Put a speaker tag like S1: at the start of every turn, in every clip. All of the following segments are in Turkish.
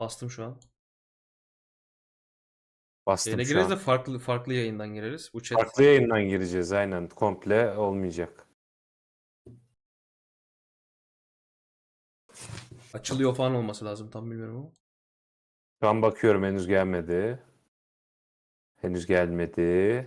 S1: Bastım şu an.
S2: Bastım
S1: Yayına
S2: şu
S1: gireriz de
S2: an.
S1: farklı yayından gireriz. Bu chat
S2: Farklı yayından gireceğiz aynen. Komple olmayacak.
S1: açılıyor falan olması lazım, tam bilmiyorum ama.
S2: Şu an bakıyorum henüz gelmedi. Henüz gelmedi.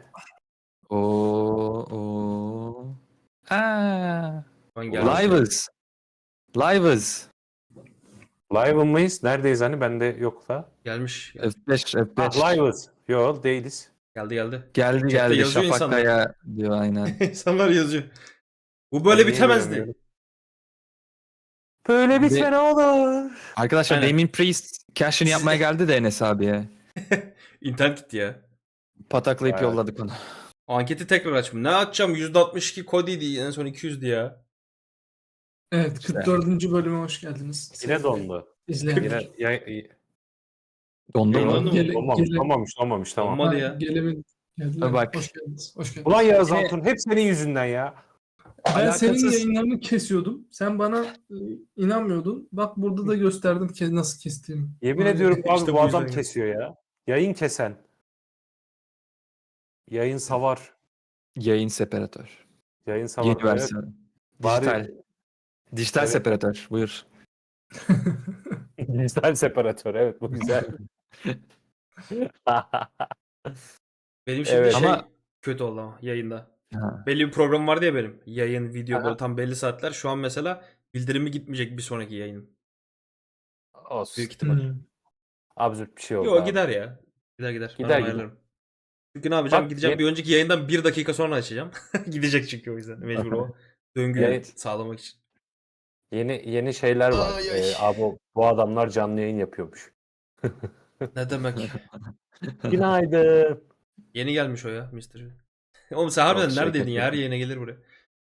S3: Oo. Aa.
S1: Şu an gelmiş.
S3: Live'ız. Live'ız.
S2: Live mıyız? Neredeyiz hani? Bende yok da.
S1: Gelmiş.
S3: F5,
S2: Ah,
S3: F5.
S2: live'ız. Yok değiliz.
S1: Geldi.
S3: Geldi
S1: Chatte
S3: geldi.
S1: yazıyor
S3: Şafak
S1: insanlar.
S3: Kaya diyor aynen.
S1: İnsanlar yazıyor. Bu böyle
S2: Ben niye
S1: bitemezdi.
S2: göremiyorum? Böyle bitme ne olur.
S3: Arkadaşlar
S1: Aynen.
S3: Damien Priest cash'ini yapmaya geldi de Enes abiye.
S1: İnternet gitti ya.
S3: Pataklayıp
S2: Bayağı.
S3: yolladık onu.
S1: Anketi tekrar açmış. Ne açacağım? %62 Cody'di. En son 200'dü ya.
S4: Evet,
S3: İşte.
S4: 44. bölüme hoş geldiniz.
S2: Yine dondu.
S4: İzleyenler.
S2: Yine
S3: Dondu
S1: Yayınlandı
S3: mu?
S1: mı?
S4: Gele-
S2: olmamış tamam.
S1: Olmadı ya.
S4: Gelemin geldiler.
S3: Bak.
S4: Hoş geldiniz. Hoş geldiniz.
S2: Ulan Yağız
S3: Yine-
S2: Altun hep senin yüzünden ya.
S4: Ben senin
S3: alakasız-
S4: yayınlarını kesiyordum. Sen bana inanmıyordun. Bak burada da gösterdim nasıl kestiğimi.
S2: Yemin
S4: Vay.
S2: ediyorum abi
S1: İşte
S2: bu
S1: bu
S2: adam
S1: yüzden
S2: kesiyor ya. Yayın kesen. Yayın savar.
S3: Yayın separatör.
S2: Yayın savar.
S3: Yeni
S2: Evet.
S3: versiyon.
S2: Bari-
S3: Dijital. Dijital
S2: Evet.
S3: separatör. Buyur.
S2: Dijital separatör evet bu güzel.
S1: Benim şimdi
S2: Evet.
S1: şey
S3: Ama-
S1: kötü oldu ama yayında.
S3: Ha.
S1: Belli bir program vardı ya benim. Yayın, video
S2: Aha.
S1: böyle tam belli saatler. Şu an mesela bildirimi gitmeyecek bir sonraki yayın.
S2: Olsun.
S1: Büyük ihtimal.
S2: Absürt bir şey oldu
S1: Yo
S2: abi.
S1: gider ya. Gider. Ben
S2: Gider,
S1: onu ayarlarım. Çünkü ne yapacağım?
S2: Bak,
S1: Gideceğim bir önceki yayından 1 dakika sonra açacağım. Gidecek çünkü o yüzden. Mecbur o döngüyü
S2: Evet.
S1: sağlamak için.
S2: Yeni şeyler var.
S1: Ay, ay.
S2: Abi bu adamlar canlı yayın yapıyormuş.
S1: Ne demek?
S2: Günaydın.
S1: Yeni gelmiş o ya Mystery. Oğlum sen harbiden
S3: Yok,
S1: neredeydin
S3: şirket
S1: ya? Her
S3: yok.
S1: yayına gelir buraya.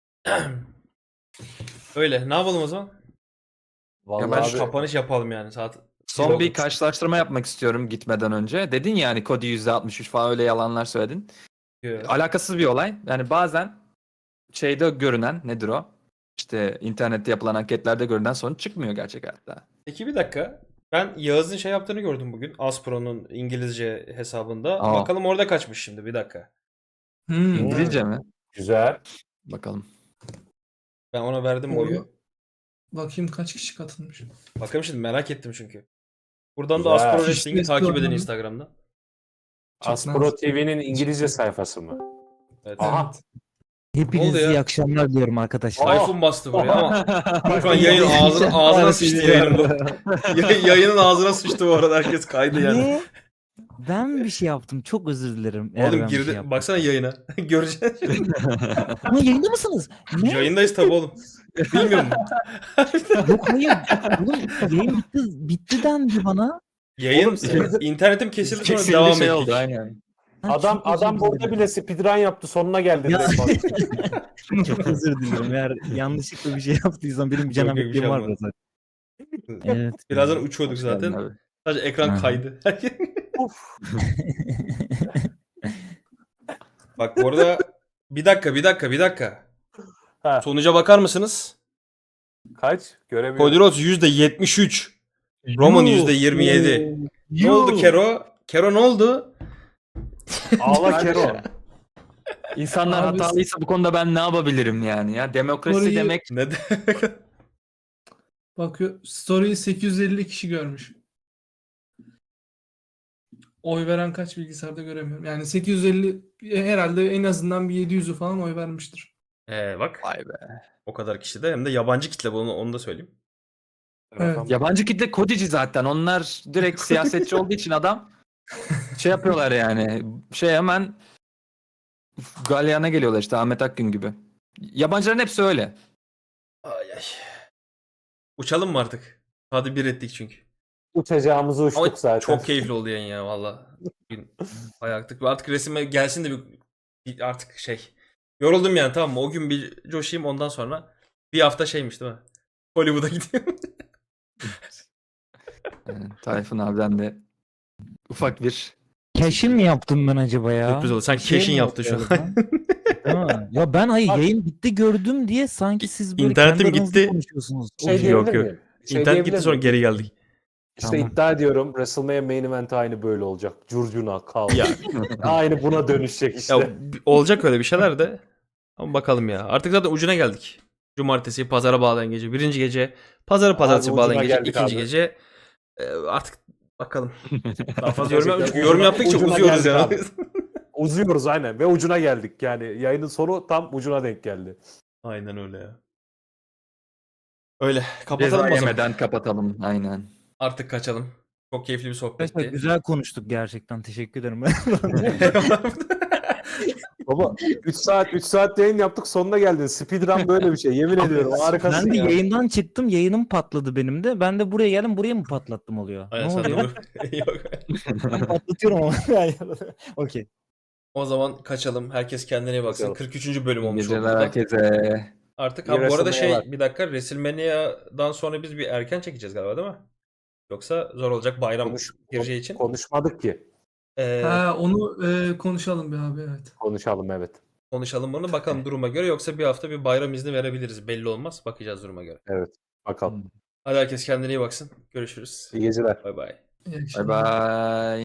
S1: Öyle. Ne yapalım o zaman?
S2: Vallahi
S1: Ben
S2: abi,
S1: şu kapanış yapalım yani. Saat
S3: Son bir karşılaştırma yapmak istiyorum gitmeden önce. Dedin ya hani Cody %63 falan öyle yalanlar söyledin. Alakasız bir olay. Yani bazen şeyde görünen nedir o? İşte internette yapılan anketlerde görünen sonuç çıkmıyor gerçek hayatta.
S1: Peki bir dakika. Ben Yağız'ın şey yaptığını gördüm bugün. Aspro'nun İngilizce hesabında.
S3: Aa.
S1: Bakalım orada kaçmış şimdi. Bir dakika.
S3: İngilizce mi?
S2: güzel.
S3: Bakalım.
S1: Ben ona verdim
S4: Orada-
S1: oyu.
S4: Bakayım kaç kişi katılmış.
S1: Bakalım şimdi, merak ettim çünkü. Buradan da
S2: Güzel.
S1: Aspro Wrestling'i
S4: Fişlesi
S1: takip edin
S4: var.
S1: Instagram'da.
S4: Çok
S2: Aspro
S4: nazik.
S2: TV'nin İngilizce sayfası mı?
S1: Evet.
S2: Aha.
S4: Evet.
S1: Ne oldu
S5: Hepinize
S1: ya?
S5: iyi akşamlar diliyorum arkadaşlar.
S1: Tayfun bastı buraya ama şu an yayın
S5: Ya.
S1: ağzına sıçtı yayının bu. Yayının ağzına sıçtı bu arada, herkes kaydı yani.
S5: Ne? Ben mi bir şey yaptım? Çok özür dilerim. eğer
S1: Oğlum
S5: ben bir şey
S1: girdi.
S5: yaptım.
S1: Baksana yayına. Göreceksin.
S5: Ama yayında mısınız? Ne?
S1: Yayındayız tabi oğlum. Bilmiyorum.
S5: Yok hayır. Oğlum yayın bitti dendi bana.
S1: Yayın
S2: Oğlum,
S1: internetim kesildi sonra
S3: Kesildi
S1: devam
S3: şey
S1: ettik.
S3: oldu aynen.
S5: Ben
S2: Adam
S5: çok özür
S2: burada
S5: dilerim.
S2: bile speedrun yaptı. Sonuna geldi.
S5: Ya.
S2: direkt bak.
S5: Çok özür dilerim. Eğer yanlışlıkla bir şey yaptıysam benim bir
S1: Yok,
S5: canım
S1: yok, bir şey
S5: var
S1: yapmadım.
S5: zaten. Evet.
S1: Birazdan uçuyorduk
S3: Hoş geldin
S1: zaten.
S3: abi.
S1: Sadece ekran
S3: Aha.
S1: kaydı.
S2: Uf.
S1: Bak bu arada bir dakika.
S2: Ha,
S1: Sonuca bakar mısınız?
S2: kaç? Göremiyorum.
S1: Kodiros %73. Roman %27. Ne oldu Kero? Kero ne oldu?
S2: Ağla Kero.
S3: İnsanlar
S4: Abi-
S3: hatalıysa bu konuda ben ne yapabilirim yani ya? Demokrasi
S4: Orayı-
S3: demek
S1: Ne demek?
S4: Bakıyor. Story'yi 850 kişi görmüş. Oy veren kaç bilgisayarda göremiyorum. Yani 850 herhalde en azından bir 700'ü falan oy vermiştir.
S1: Bak.
S3: vay be.
S1: O kadar kişi de, hem de yabancı kitle, onu da söyleyeyim.
S4: Evet.
S3: Yabancı kitle kodici zaten. Onlar direkt siyasetçi olduğu için adam şey yapıyorlar yani. Şey hemen galyana geliyorlar işte Ahmet Akgün gibi. Yabancıların hepsi öyle.
S1: Ay ay. Uçalım mı artık? Hadi bir ettik çünkü.
S2: Uçacağımızı uçtuk
S1: Ama
S2: zaten.
S1: çok keyifli oldu yayın ya valla. Bugün bayağı aktık. Artık resime gelsin de bir artık şey. Yoruldum yani, tamam mı? O gün bir coşayım, ondan sonra bir hafta şeymiş değil mi? Hollywood'a gidiyorum.
S3: Yani Tayfun abiden de ufak bir
S5: Keşin mi yaptım ben acaba ya?
S1: Sürpriz oldu. Sen
S5: Bir şey
S1: keşin
S5: mi
S1: yaptın şu
S5: oldu
S1: an.
S5: acaba? Değil mi? Ya ben hayır yayın bitti gördüm diye sanki siz böyle
S1: İnternetim
S5: kendi aranızda
S1: gitti.
S5: konuşuyorsunuz.
S2: Şey
S1: Yok,
S2: diyebilir
S1: yok.
S2: miyim?
S1: İnternet
S2: diyebilir
S1: gitti, sonra
S2: miyim?
S1: geri geldik.
S2: İşte
S5: Tamam.
S2: iddia ediyorum WrestleMania main event aynı böyle olacak. Curcuna, kaos.
S1: Ya,
S2: Aynı buna dönüşecek işte.
S1: ya olacak öyle bir şeyler de. Ama bakalım ya. Artık zaten ucuna geldik. Cumartesi pazara bağlayan gece. Birinci gece. Pazarı pazartesi
S2: Abi
S1: bağlayan
S2: ucuna
S1: gece.
S2: geldik
S1: İkinci
S2: abi.
S1: gece. Artık bakalım. Daha fazla yorum,
S2: Gerçekten
S1: çünkü yorum
S2: ucuna-
S1: yaptıkça
S2: ucuna
S1: uzuyoruz
S2: geldik
S1: yani.
S2: abi. Uzuyoruz aynen ve ucuna geldik. Yani yayının sonu tam ucuna denk geldi.
S1: Aynen öyle ya. Öyle.
S3: Ceza
S1: Kapatalım o zaman.
S3: yemeden kapatalım. Aynen.
S1: Artık kaçalım. Çok keyifli bir
S5: Arkadaşlar
S1: sohbetti.
S5: güzel konuştuk gerçekten. Teşekkür ederim.
S2: Baba 3 saat yayın yaptık sonuna geldin. Speedrun böyle bir şey. Yemin ediyorum harikasın
S5: Ben de
S2: ya.
S5: yayından çıktım. Yayınım patladı benim de. Ben de buraya geldim. Buraya mı patlattım oluyor?
S1: Aynen,
S5: Ne
S1: sen de
S5: oluyor?
S1: Yok.
S5: Ben patlatıyorum ama. Okey.
S1: O zaman kaçalım. Herkes kendine iyi baksın.
S2: Kaçalım.
S1: 43. bölüm
S3: İyi
S1: olmuş oldu.
S3: geceler
S1: da.
S3: herkese.
S1: Artık
S2: İyi
S1: bu arada
S2: WrestleMania var.
S1: bir dakika, WrestleMania'dan sonra biz bir erken çekeceğiz galiba, değil mi? Yoksa zor olacak bayram gireceği için.
S2: Konuşmadık ki.
S4: Ha, onu konuşalım bir abi, evet.
S2: Konuşalım evet.
S1: Konuşalım bunu. Bakalım duruma göre, yoksa bir hafta bir bayram izni verebiliriz. Belli olmaz. Bakacağız duruma göre.
S2: Evet. Bakalım.
S1: Hadi herkes kendine iyi baksın. Görüşürüz.
S2: İyi geceler.
S1: Bay bay.
S4: İyi
S3: Bay
S4: akşamlar.
S3: bay.